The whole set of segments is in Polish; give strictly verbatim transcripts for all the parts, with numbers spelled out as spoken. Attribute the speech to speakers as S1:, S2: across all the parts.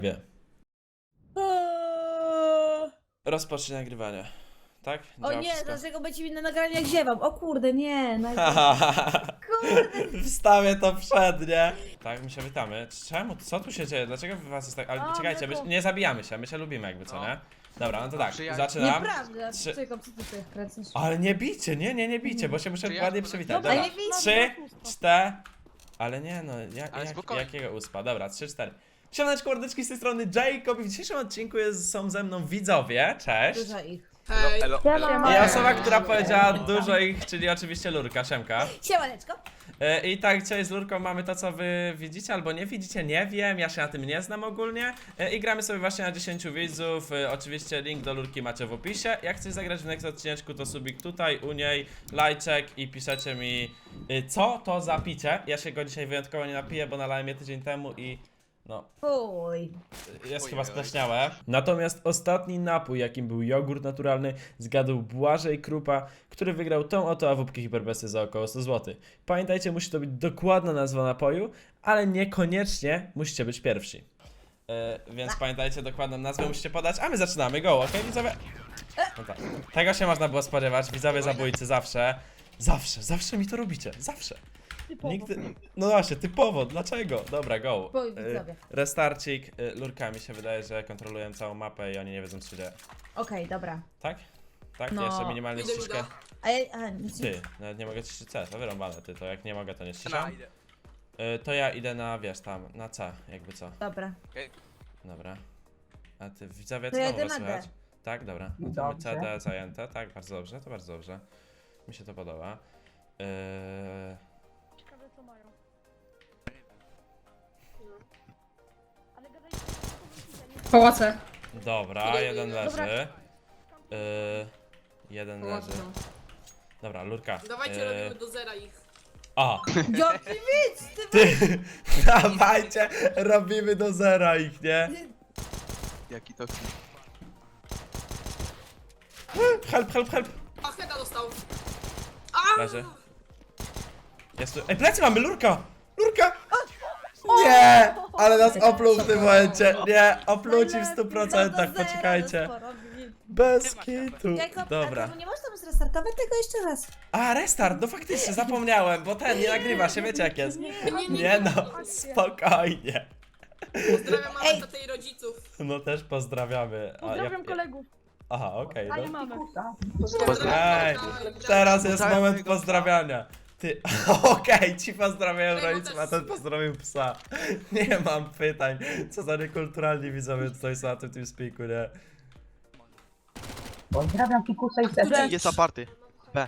S1: Wie. Rozpocznij nagrywanie. Tak?
S2: O
S1: Działa
S2: nie,
S1: wszystko?
S2: dlaczego będzie mi na nagranie jak ziewam? O kurde, nie. Na...
S1: Kurde. Wstawię to przed, nie? Tak, my się witamy. Czemu? Co tu się dzieje? Dlaczego wy was jest tak... Ale
S2: A,
S1: czekajcie, my,
S2: mleko.
S1: nie zabijamy się, my się lubimy jakby, co
S3: No.
S1: nie? Dobra, no to tak,
S3: Przyjaźń.
S1: zaczynam.
S2: Nieprawda.
S1: Trzy-
S2: Czekaj, co ty tu kręcisz?
S1: Ale nie bijcie, nie, nie, nie bijcie, bo się muszę
S3: Czy ja
S1: ładnie
S3: to-
S1: przywitać.
S2: No,
S1: Dobra,
S2: ale nie bijcie.
S1: trzy, cztery... Ale nie no, jak,
S3: Ale
S1: jak,
S3: spokojnie.
S1: jakiego uspa? Dobra, trzy, cztery. Siemaneczko, mordeczki, z tej strony Jacob i w dzisiejszym odcinku jest, są ze mną widzowie, cześć.
S2: Dużo ich.
S3: Hej. Elo, elo,
S2: Siema.
S1: I
S3: elo.
S1: osoba, która powiedziała dużo ich, czyli oczywiście Lurka, Siemka.
S2: Siemaneczko.
S1: E, I tak, dzisiaj z Lurką mamy to, co wy widzicie albo nie widzicie, nie wiem, ja się na tym nie znam ogólnie. E, I gramy sobie właśnie na dziesięciu widzów, e, oczywiście link do Lurki macie w opisie. Jak chcecie zagrać w next odcineczku, to subik tutaj, u niej, lajczek i piszecie mi, e, co to za picie. Ja się go dzisiaj wyjątkowo nie napiję, bo nalałem je tydzień temu i... No,
S2: Fuj.
S1: jest
S3: Oj,
S1: chyba
S3: oj.
S1: spleśniałe. Natomiast ostatni napój, jakim był jogurt naturalny, zgadł Błażej Krupa, który wygrał tą oto awupkę hiperbesy za około sto złotych. Pamiętajcie, musi to być dokładna nazwa napoju, ale niekoniecznie musicie być pierwsi. E, więc pamiętajcie, dokładną nazwę musicie podać, a my zaczynamy. Go, okej, widzowie? No tak. Tego się można było spodziewać, widzowie zabójcy zawsze. Zawsze, zawsze mi to robicie, zawsze. Nigdy... No właśnie, typowo, dlaczego? Dobra, go.
S2: Boj,
S1: Y,
S2: widzowie.
S1: Restarcik, y, Lurka mi się wydaje, że kontrolują całą mapę i oni nie wiedzą co się dzieje.
S2: Okej, dobra.
S1: Tak? Tak?
S2: No.
S1: Jeszcze minimalnie
S4: Idę,
S1: ściszkę.
S4: idę.
S2: A ja... A, nic nie...
S1: Ty, nawet nie mogę ciszyć C, to wyrąbane ty, to jak nie mogę to nie
S3: Na,
S1: ściszam.
S3: idę.
S1: Y, to ja idę na, wiesz, tam, na C, jakby co.
S2: Dobra.
S1: Dobra. A ty, widzowie,
S2: To
S1: co
S2: ja
S1: tam
S2: idę
S1: was
S2: na
S1: słychać?
S2: D.
S1: Tak, dobra. No to my C, D zajęte, tak, bardzo dobrze, to bardzo dobrze. Mi się to podoba. Yy...
S5: Ciekawe co mają. Ale gadaj...
S6: Pałace.
S1: Dobra, jeden leży.
S5: Dobra.
S1: Yy... Jeden leży. Dobra, Lurka.
S4: Dawajcie,
S1: yy,
S4: robimy do zera ich.
S1: A!
S2: Jaki widz, ty...
S1: Ty! Dawajcie! Robimy do zera ich, nie?
S3: Jaki to
S1: Help, help, help!
S4: A, Heda dostał.
S1: Leży. Jest tu... Ej, plecy mamy, Lurka! Lurka! Nie! Ale nas opluł w tym momencie. Nie, opluł ci w stu procentach, poczekajcie. Bez kitu.
S2: Jacob,
S1: Dobra.
S2: a to nie można tam zrestartować tego jeszcze raz.
S1: A, restart, no faktycznie, zapomniałem, bo ten nie nagrywa się, wiecie jak jest.
S4: Nie, nie, nie.
S1: Nie no, spokojnie.
S4: Pozdrawiam mamę,
S2: Ej.
S4: tatę i rodziców.
S1: No też pozdrawiamy. A
S5: Pozdrawiam
S1: ja-
S5: kolegów,
S1: Aha, okej,
S5: a nie
S1: no.
S5: mamy.
S1: Ej, teraz jest
S3: Pozdrawiam
S1: moment
S3: mojego psa.
S1: pozdrawiania. Ty, okej, ci pozdrawiają
S4: Mojego
S1: rodziców,
S4: też.
S1: a ten pozdrowił psa. Nie mam pytań. Co za niekulturalni widzowie tutaj są na tym TeamSpeaku, nie?
S7: Pozdrawiam Fikusa i Sefę.
S3: jest aparty. B.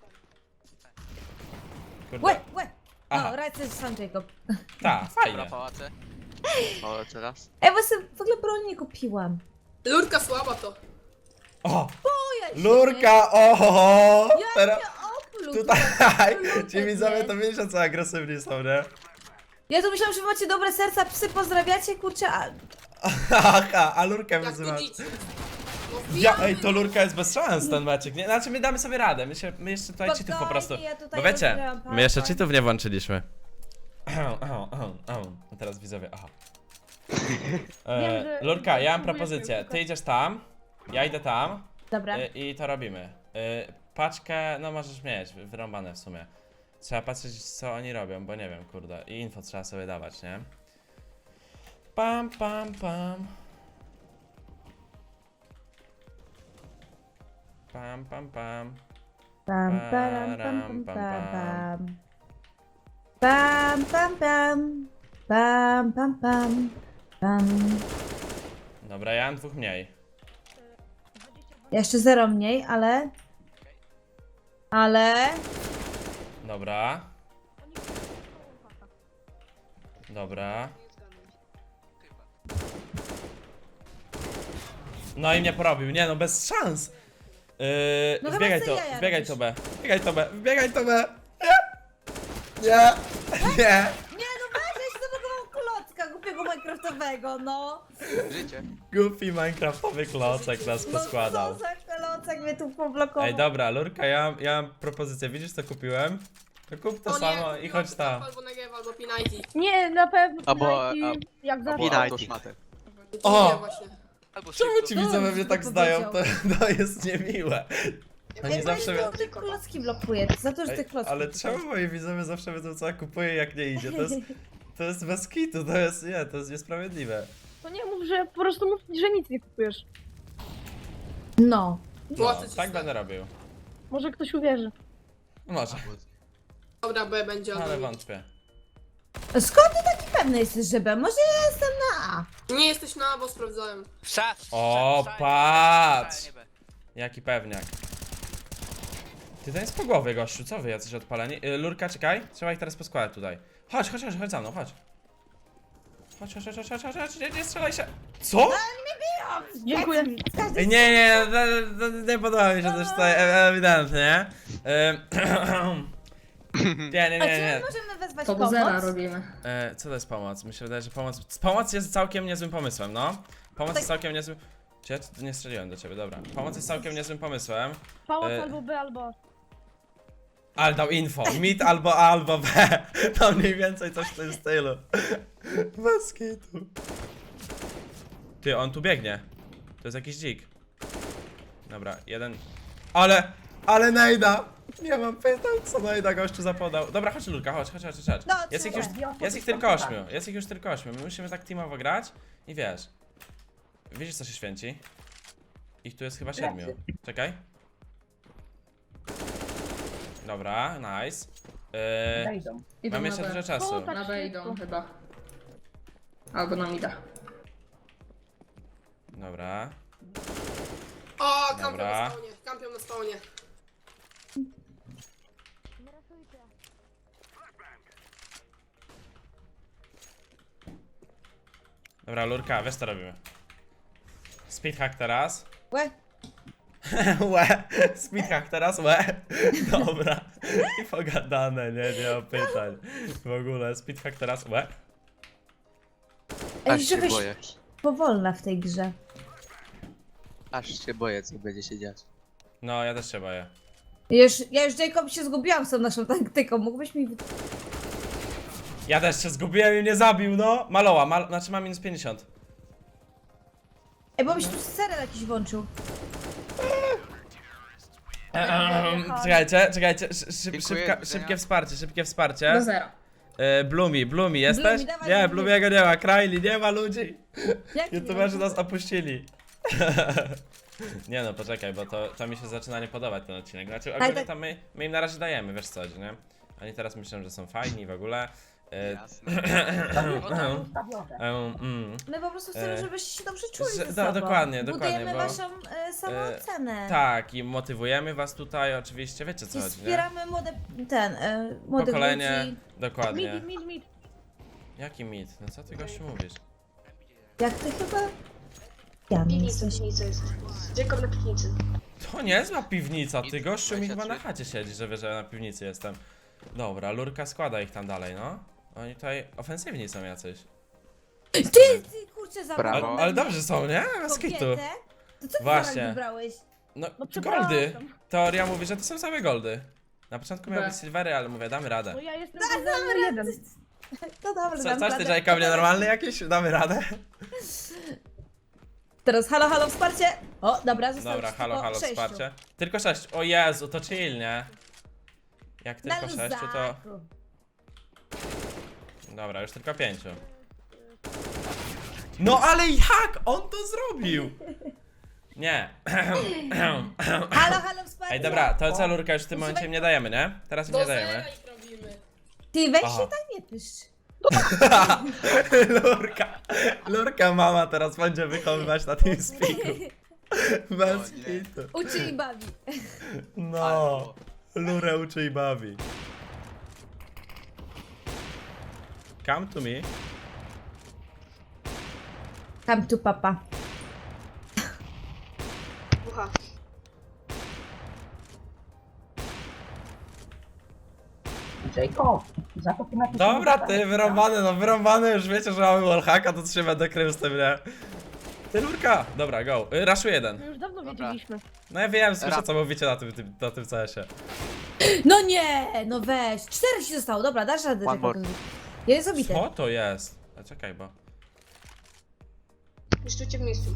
S1: Kurde.
S2: Łe, łe.
S1: Aha.
S2: No, rację sam Jacob.
S1: Ta,
S3: Dobra,
S1: fajnie.
S3: pałace. Pałace raz.
S2: Ej, bo sobie w ogóle broni nie kupiłam.
S4: Lurka słaba to.
S1: O!
S2: Boję się.
S1: Lurka, oho!
S2: Ja
S1: Teraz
S2: cię opluł.
S1: tutaj
S2: Lurka
S1: ci widzowie to
S2: jest.
S1: wiecie co agresywni są, nie?
S2: Ja tu myślałam, że wy macie dobre serca, psy pozdrawiacie, kurczę, a...
S1: Aha, a Lurkę
S4: Jak to
S1: wyzywasz.
S4: dzieci. No,
S1: Ja,
S4: wbijamy,
S1: ej, to Lurka jest bez szans ten meczek, nie? Znaczy my damy sobie radę, my, się, my jeszcze tutaj cheatów po
S2: Spokojnie,
S1: prostu...
S2: ja tutaj
S1: Bo wiecie,
S2: rozgrałam
S1: my jeszcze
S2: PowerPoint.
S1: cheatów nie włączyliśmy. Ahą, ahą, ahą, ahą. A teraz widzowie, aha.
S5: Wiem,
S1: E,
S5: że-
S1: Lurka, ja mam
S5: próbuję
S1: propozycję,
S5: sobie
S1: ty idziesz tam, ja idę tam
S2: Dobra.
S1: e, i to robimy. E, paczkę, no możesz mieć, wyrąbane w sumie. Trzeba patrzeć co oni robią, bo nie wiem, kurde. I info trzeba sobie dawać, nie? Pam, pam, pam. Pam, pam, pam.
S2: Pam, pam, pam, pam, pam. Pam, pam, pam. Pam, pam, pam. Pam.
S1: Dobra, ja mam dwóch mniej.
S2: Jeszcze zero mniej, ale... Ale...
S1: Dobra. Dobra. No i mnie porobił, nie no, bez szans. Yy,
S2: No chyba
S1: wbiegaj
S2: se
S1: to,
S2: jaja
S1: wbiegaj
S2: robisz.
S1: to B, wbiegaj to B, wbiegaj to B. Nie, nie, nie.
S2: Nie no weź, ja się zablokował klocka głupiego minecraftowego, no.
S3: Życie.
S1: Goofy minecraftowy klocek nas poskładał.
S2: No co za klocek mnie tu poblokował.
S1: Ej, dobra, Lurka, ja, mam- ja mam propozycję, widzisz co kupiłem? To kup to
S4: O nie,
S1: samo
S4: kupiłam
S1: i chodź
S4: to
S1: tam.
S4: Albo Negev, albo Pinajki.
S5: Nie, na pewno
S3: Albo-
S5: Pinajki, jak zawsze.
S3: Albo autoszmatę.
S1: O!
S4: Nie, właśnie.
S3: Albo
S1: Czemu
S3: szybko.
S1: ci widzowie mnie tak
S2: to
S1: zdają? To,
S2: powiedział.
S1: to jest niemiłe. Oni
S2: Ej,
S1: zawsze...
S2: zawsze te klocki blokuje, za to, że
S1: Ej,
S2: te klocki.
S1: ale czemu moi widzowie zawsze wiedzą co ja kupuję jak nie idzie? To jest, to jest bez kitu, to jest, nie, to jest niesprawiedliwe.
S5: To nie mów, że po prostu mów, że nic nie kupujesz.
S2: No.
S1: No,
S4: Płacę ci
S1: tak
S4: stary.
S1: będę robił.
S5: Może ktoś uwierzy.
S1: Może,
S4: Dobra, B będzie
S1: ale
S4: ale
S1: wątpię.
S2: Skąd ty taki pewny jesteś, że B? Może ja jestem na A.
S4: Nie jesteś na A, bo sprawdzałem.
S3: Szaf!
S1: O, patrz! Jaki pewniak. Ty to jest po głowie, gościu, co wy jacyś odpaleni? Y, Lurka, czekaj, trzeba ich teraz poskładać tutaj. Chodź, chodź, chodź, chodź za mną, chodź. Chodź, chodź, chodź, chodź, chodź, chodź, nie, nie strzelaj się. Co?
S5: Dziękuję.
S2: Każdy
S1: Nie, nie, nie, to, to, nie podoba mi się też tutaj e- ewidentnie. Ym, Nie, nie,
S2: A
S1: nie,
S2: czy
S1: nie.
S2: możemy wezwać
S6: To do zera
S2: pomoc?
S6: robimy.
S1: E, co to jest pomoc? Mi się wydaje, że pomoc... Pomoc jest całkiem niezłym pomysłem, no. Pomoc
S2: Tak.
S1: jest całkiem niezłym... Czy ja tu nie strzeliłem do ciebie, dobra. Pomoc jest całkiem niezłym pomysłem.
S5: Pałac
S1: E.
S5: albo B, albo...
S1: Ale dał info. Mid albo A, albo B. To mniej więcej coś w tym stylu. Bez kitu. Ty, on tu biegnie. To jest jakiś dzik. Dobra, jeden... Ale... Ale Nejda! Nie mam pytań, co Nejda gościu zapodał. Dobra, chodź Lurka, chodź, chodź, chodź, chodź.
S2: No,
S1: Jest ich
S2: trzeba.
S1: już, jest ich tylko ośmiu, jest ich już tylko ośmiu. My musimy tak teamowo grać i wiesz. Widzisz co się święci? Ich tu jest chyba siedmiu. Czekaj. Dobra, nice. Yy,
S6: Idą
S1: mam
S6: na
S1: jeszcze
S6: B.
S1: dużo czasu.
S5: O, tak.
S6: Na B idą chyba. Albo na mida.
S1: Dobra.
S4: O, kampią
S1: Dobra.
S4: na spawnie, kampią na spawnie.
S5: Nie rasujcie.
S1: Dobra, Lurka, wiesz co robimy. Speedhack teraz.
S2: Łe.
S1: Łe. Speedhack teraz, łe. Dobra. I pogadane, nie, nie ma pytań. W ogóle, speedhack teraz, łe.
S2: Ej,
S3: Aż się
S2: żebyś
S3: boję.
S2: powolna w tej grze.
S3: Aż się boję, co będzie się dziać.
S1: No, ja też się boję.
S2: Ja już, ja już Jacob się zgubiłam z tą naszą taktyką, mógłbyś mi...
S1: Ja też się zgubiłem i mnie zabił, no. Maloła, mal znaczy ma minus pięćdziesiąt.
S2: Ej, bo byś tu serial jakiś włączył.
S1: Ehm, czekajcie, czekajcie, szy, szyb,
S3: Dziękuję,
S1: szybka,
S3: widzenia.
S1: szybkie wsparcie, szybkie
S6: Do
S1: wsparcie.
S6: zera.
S1: E, Blumi, Blumi, jesteś?
S2: Blumi, dawaj,
S1: Nie,
S2: Blumi.
S1: Blumiego nie ma, Kraili, nie ma ludzi.
S2: Jak
S1: YouTuberzy nas opuścili. Nie no, poczekaj, bo to, to mi się zaczyna nie podobać ten odcinek. Znaczy ogólnie
S2: tak.
S1: tam my, my im na razie dajemy, wiesz co chodzi, nie? Oni teraz myślą, że są fajni w ogóle. E,
S3: Jasne.
S1: e, mm.
S2: My po prostu chcemy,
S1: E,
S2: żebyście się dobrze czuli
S1: że-
S2: ze
S1: do-
S2: sobą.
S1: dokładnie, dokładnie,
S2: Budujemy
S1: bo-
S2: waszą e, samoocenę.
S1: Tak, i motywujemy was tutaj, oczywiście, wiecie co
S2: I
S1: chodzi, nie?
S2: wspieramy młode, ten, e, młodych
S1: Pokolenie,
S2: ludzi.
S1: dokładnie.
S5: Mid, mid, mid.
S1: Jaki mit? No co ty gościu mówisz?
S2: Jak ty chyba? Ja nie
S7: Piwnica,
S2: jesteś.
S7: piwnica jest. Jacob na piwnicy.
S1: To niezła piwnica, ty gościu mi chyba na
S3: dwadzieścia trzy.
S1: chacie siedzi, że wie, że ja na piwnicy jestem. Dobra, Lurka składa ich tam dalej, no. Oni tutaj ofensywni są jacyś.
S2: Ty, ty kurczę,
S1: Ale,
S3: Brawo.
S2: zabrałeś
S1: ale dobrze są, nie? Bez kitu.
S2: kobietę? To co ty
S1: Właśnie.
S2: Właśnie. wybrałeś?
S1: No,
S5: No
S1: goldy.
S5: przepraszam.
S1: Teoria mówi, że to są same goldy. Na początku miały
S6: B.
S1: być silvery, ale mówię, damy radę.
S5: No ja jestem
S2: Tak,
S5: numer jeden.
S2: To dobrze,
S1: Co,
S2: dam
S1: coś ty,
S2: radę.
S1: Jacob, nienormalny jakiś? Damy radę?
S2: Teraz halo, halo, wsparcie. O, dobra, zostało
S1: Dobra,
S2: ci
S1: halo,
S2: tylko
S1: halo,
S2: sześciu.
S1: wsparcie. Tylko sześć. O Jezu, to chill, nie? Jak
S2: Na
S1: tylko sześciu, to...
S2: luzaku.
S1: Dobra, już tylko pięciu. No ale jak on to zrobił? Nie.
S2: Halo, halo, wsparcie.
S1: Ej, dobra, to co Lurka już w tym momencie im nie dajemy, nie? Teraz im
S4: Do
S1: nie
S4: zera
S1: dajemy.
S4: ich robimy.
S2: Ty, weź
S1: Aha.
S2: się tak nie pyszcz.
S1: Lurka, Lurka mama teraz będzie wychowywać na tym spiku. Bez
S3: O nie.
S1: kitu.
S2: Uczy i bawi.
S1: No, Lurę uczy i bawi. Come to me.
S2: Tam tu papa.
S7: Ucha.
S1: Dobra, ty wyrąbany, no wyrąbany, już wiecie, że mamy wallhacka, to się będę krył z tym, nie? Ty Lurka! Dobra, go. Y, Raszu jeden.
S5: My już dawno
S3: Dobra.
S5: wiedzieliśmy.
S1: No ja wiem, słyszę
S3: Ra-
S1: co mówicie na tym, tym, na tym C S-ie.
S2: No nie, no weź. Cztery ci zostało, dobra, dasz radę.
S3: One
S2: Jacob.
S3: more.
S2: Jeden jest obity.
S1: Co to jest? A czekaj, bo...
S7: Niszczycie w miejscu.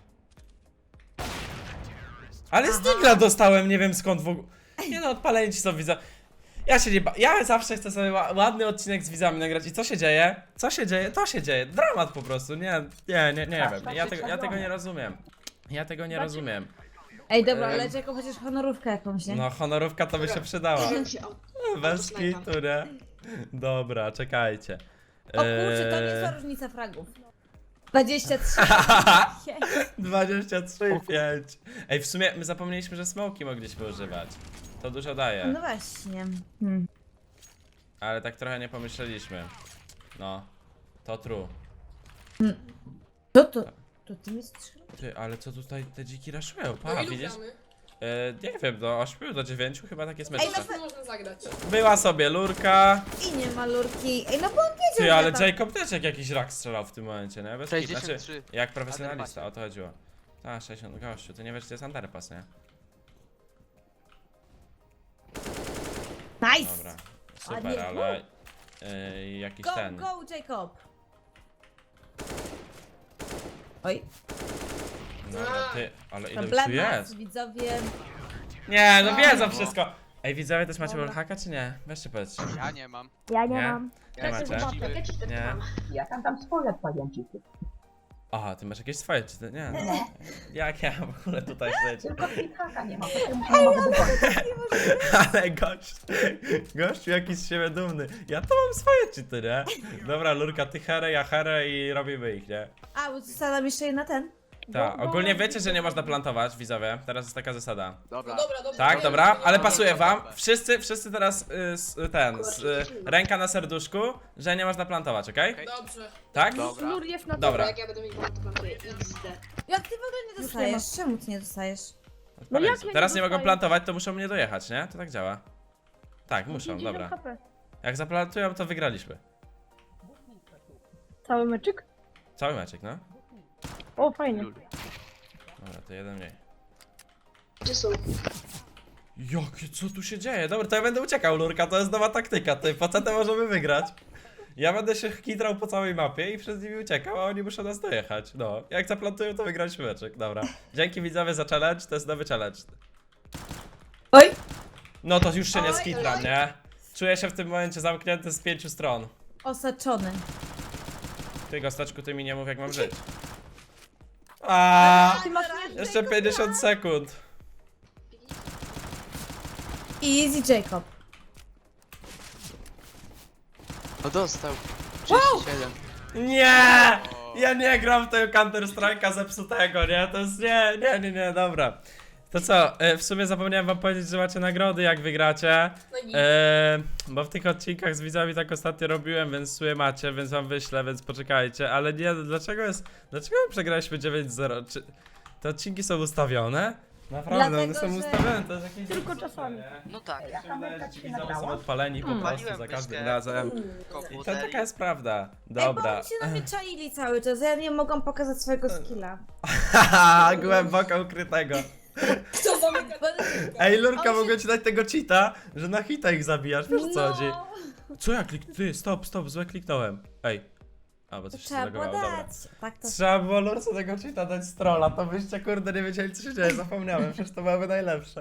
S1: Ale z Digla dostałem, nie wiem skąd w ogóle. Nie no, odpaleni ci są widza. Ja się nie ba... Ja zawsze chcę sobie ła- ładny odcinek z widzami nagrać. I co się dzieje? Co się dzieje? To się dzieje. Dramat po prostu. Nie, nie, nie, nie wiem. Ja tego, ja tego nie rozumiem. Ja tego nie rozumiem.
S2: Ej, dobra,
S1: Em.
S2: ale czego chociaż honorówkę jakąś, nie?
S1: No, honorówka to by się przydała.
S7: Wiem się, au-
S1: Bez
S7: autosnajpa.
S1: kitu, nie? Dobra, czekajcie.
S2: O kurczę, to nie
S1: Eee,
S2: jest różnica fragów. dwadzieścia trzy.
S1: dwadzieścia trzy pięć. Ej, w sumie my zapomnieliśmy, że smoki mogliśmy używać. To dużo daje.
S2: No właśnie. Hmm.
S1: Ale tak trochę nie pomyśleliśmy. No, to true.
S2: To to, to ty mi strzelasz?
S1: Ty, ale co tutaj te dziki raszują? Pa,
S4: No ilu
S1: widzisz?
S4: gramy?
S1: E, nie wiem, do ośmiu, do dziewięciu chyba tak jest
S2: Ej,
S1: meczka.
S2: no
S4: Co można zagrać?
S1: Była sobie lurka.
S2: I nie ma lurki. Ej, no bo on wiedział,
S1: Ty,
S2: że
S1: ale
S2: tam-
S1: Jacob też jak jakiś rak strzelał w tym momencie, nie? Bez kitu.
S3: sześćdziesiąt
S1: Znaczy,
S3: trzy.
S1: jak profesjonalista,
S3: Underpasie.
S1: o to chodziło. Tak, sześćdziesiąt, gościu, ty nie wiesz, gdzie jest underpass, nie?
S2: Nice!
S1: Dobra,
S2: Ale
S1: super,
S2: nie-
S1: ale... E, jakiś
S2: Go,
S1: ten...
S2: go, Jacob! Oj,
S1: Dobra, ty, ale ile już tu
S2: problemy
S1: jest?
S2: widzowie.
S1: Nie, no wiedzą
S3: No.
S1: wszystko. Ej, widzowie, też macie
S2: Dobra.
S1: wallhacka, czy nie? Weźcie powiedzcie.
S3: Ja nie mam.
S5: Ja nie,
S1: Nie?
S5: mam.
S1: Nie
S3: Ja
S1: macie?
S3: jestem uczciwy.
S7: Ja ci tak
S1: Nie.
S7: mam.
S6: Ja tam tam swoje pojęciki.
S1: Aha, ty masz jakieś swoje, czy ty? Nie. Jak ja w ogóle tutaj siedzę?
S6: Tylko haka nie ma, to się muszę mogę wybrać.
S1: Ale gość, gościu jakiś z siebie dumny. Ja to mam swoje cheaty, nie? Dobra, Lurka, ty herę, ja herę i robimy ich, nie?
S2: A, bo została nam jeszcze jedna ten.
S1: Tak, ogólnie wiecie, że nie można plantować, widzowie. Teraz jest taka zasada.
S3: Dobra.
S4: No dobra, dobra.
S1: Tak,
S4: nie,
S1: dobra,
S4: nie,
S1: ale
S4: nie,
S1: pasuje
S4: nie,
S1: wam.
S4: nie.
S1: Wszyscy, wszyscy teraz y, s, ten, s, y, ręka na serduszku, że nie można plantować, okej?
S4: Dobrze.
S1: Tak?
S3: Dobra.
S5: Lur jest na
S1: Dobra.
S7: Dobra, jak ja będę mieć to plantuję. X D.
S2: Jak ty w ogóle nie
S5: Już nie
S2: dostajesz? Czemu ty nie dostajesz?
S5: No jak ja nie
S1: Teraz nie mogą
S5: dostaję?
S1: plantować, to muszą mnie dojechać, nie? To tak działa. Tak, muszą,
S5: pięćdziesiąt
S1: dobra.
S5: H P.
S1: Jak zaplantują, to wygraliśmy.
S5: Cały meczyk?
S1: Cały meczek, no.
S5: O, fajnie.
S3: Lul.
S1: Dobra, to jeden mniej.
S7: Gdzie są?
S1: Jakie, co tu się dzieje? Dobra, to ja będę uciekał, Lurka, to jest nowa taktyka, ty, po co to możemy wygrać? Ja będę się kitrał po całej mapie i przez nimi uciekał, a oni muszą nas dojechać. No, jak zaplantują, to wygraliśmy meczek, dobra. Dzięki widzowie za challenge, to jest nowy challenge.
S2: Oj!
S1: No to już się nie
S2: Oj,
S1: skitram,
S2: oj.
S1: nie? Czuję się w tym momencie zamknięty z pięciu stron.
S2: Osaczony.
S1: Ty, Gostaczku, ty mi nie mów, jak mam żyć. A,
S5: Ty masz
S1: jeszcze pięćdziesiąt sekund.
S2: Easy, Jacob.
S3: O, dostał. trzydzieści siedem.
S1: Nie! Ja nie gram w tego Counter Strike'a zepsutego, nie? To jest nie, nie, nie, nie, dobra. To co, e, w sumie zapomniałem wam powiedzieć, że macie nagrody jak wygracie.
S4: No i
S1: E, bo w tych odcinkach z widzami tak ostatnio robiłem, więc w sumie macie, więc wam wyślę, więc poczekajcie. Ale nie, dlaczego jest, dlaczego my przegraliśmy dziewięć zero? Czy te odcinki są ustawione? Naprawdę, one
S2: Dlatego,
S1: są
S2: że-
S1: ustawione, to jest jakieś...
S5: Tylko czasami.
S3: No tak.
S1: Ja się wydaje, że ci widzowie
S6: nagrała?
S1: są odpaleni po prostu
S3: Paliłem
S1: za każdym
S3: myszkę.
S1: razem. I to taka jest prawda.
S2: Ej, bo
S1: Dobra.
S2: oni się na mnie czaili cały czas, ja nie mogłam pokazać swojego skilla.
S1: Haha, głęboko ukrytego.
S4: kto zamyka?
S1: Ej, Lurka,
S2: On się-
S1: mogę ci dać tego cheata, że na hita ich zabijasz, wiesz o co
S2: No.
S1: chodzi? Co ja klik... Ty, stop, stop, złe kliknąłem. Ej. A, bo
S2: To
S1: coś się
S2: trzeba było
S1: zalogowało, dobra.
S2: dać. Tak to...
S1: Trzeba było Lurce tego cheata dać z trolla, to byście kurde nie wiedzieli co się dzieje, zapomniałem, przecież to byłoby najlepsze.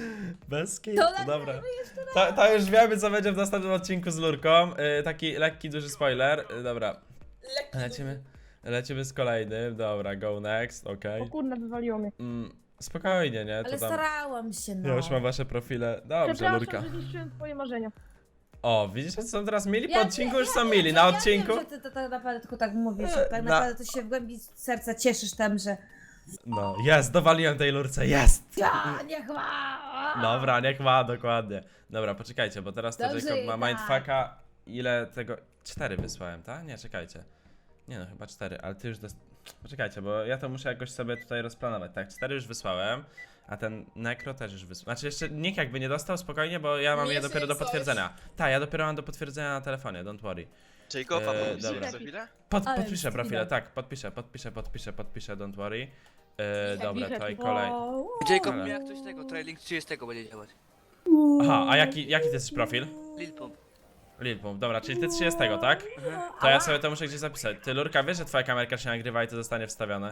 S1: Bez kitu,
S2: To
S1: dobra. To, to już wiemy co będzie w następnym odcinku z Lurką, yy, taki lekki, duży spoiler, yy, dobra.
S4: Lekki.
S1: Lecimy, lecimy z kolejnym, dobra, go next, okej.
S5: O kurna, wywaliło mnie.
S1: Mm, spokojnie, nie, to
S2: Ale
S1: tam...
S2: starałam się, no.
S1: Ja już mam wasze profile, dobrze Lurka.
S5: Przepraszam, że zniszczyłem twoje marzenia.
S1: O, widzisz, że są teraz mili? Po
S2: Ja
S1: odcinku
S2: wiem,
S1: już są
S2: ja
S1: mili,
S2: wiem,
S1: na
S2: ja
S1: odcinku?
S2: Wiem, że ty to tak naprawdę tylko tak mówisz, że tak
S1: Na-
S2: naprawdę to się w głębi serca cieszysz tam, że
S1: No, jest, dowaliłem tej Lurce, jest!
S2: ja, niech ma!
S1: Dobra, niech ma, dokładnie. Dobra, poczekajcie, bo teraz to
S2: Dobrze,
S1: Jacob ma
S2: tak.
S1: mindfucka. Ile tego... Cztery wysłałem, tak? Nie, czekajcie. Nie no, chyba cztery, ale ty już dost... Poczekajcie, bo ja to muszę jakoś sobie tutaj rozplanować. Tak, cztery już wysłałem, a ten Necro też już wysłał. Znaczy jeszcze nikt jakby nie dostał, spokojnie, bo ja mam
S4: Nie
S1: je dopiero do
S4: coś.
S1: potwierdzenia. Tak, ja dopiero mam do potwierdzenia na telefonie, don't worry.
S3: Jacoba,
S1: Eee,
S3: podpisujesz
S1: dobra.
S3: za chwilę?
S1: Pod,
S2: Ale
S1: podpiszę profile,
S2: wstydem.
S1: tak, podpiszę, podpiszę, podpiszę, podpiszę, don't worry. E, dobra,
S5: happy.
S1: to i kolej.
S2: Wow.
S3: Jacob,
S1: Ale-
S3: jak coś tego, trailing trzydziestego będzie działać.
S1: Aha, a jaki, jaki to jest profil?
S3: Lil Pump.
S1: Lil Pump, dobra, czyli ty trzydziestego, tak? To ja sobie to muszę gdzieś zapisać. Ty, Lurka, wiesz, że twoja kamerka się nagrywa i to zostanie wstawione?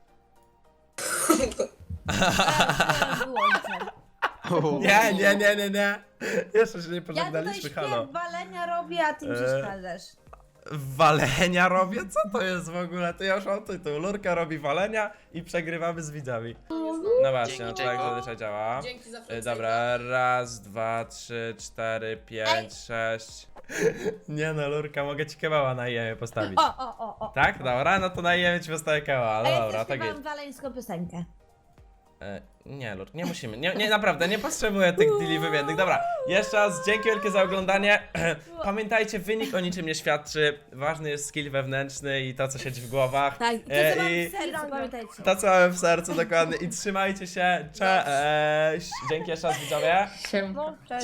S2: Wyłączę.
S1: Nie, nie, nie, nie, nie. Jeszcze się nie
S2: Ja tutaj
S1: pożegnaliśmy, halo.
S2: śpiew walenia robię, a ty mi
S1: Eee.
S2: przeszkadzasz.
S1: Walenia robię? Co to jest w ogóle? To ja już mam tytuł. Lurka robi walenia i przegrywamy z widzami. No właśnie, no to jak zazwyczaj działa.
S4: Dzięki za
S1: Y,
S4: flexa.
S1: Dobra, raz, dwa, trzy, cztery, pięć, sześć. Nie no, Lurka, mogę ci kebaba na jemie postawić.
S2: O, o, o, o.
S1: Tak? Dobra, no to na jemie ci postawię kebaba.
S2: A
S1: No
S2: ja
S1: dobra,
S2: też
S1: tak jest.
S2: śpiewam waleńską piosenkę.
S1: E, nie, Lur, nie musimy. Nie, nie, naprawdę, nie potrzebuję tych deali wymiennych. Dobra, jeszcze raz dzięki wielkie za oglądanie. Pamiętajcie, wynik o niczym nie świadczy. Ważny jest skill wewnętrzny i to, co siedzi w głowach.
S2: Tak, to
S1: E,
S2: co mam
S1: i
S2: w sercu, pamiętajcie.
S1: to, co mamy w sercu, dokładnie. I trzymajcie się. Cześć. Dzięki jeszcze raz, widzowie.
S6: Siem.
S5: No, cześć.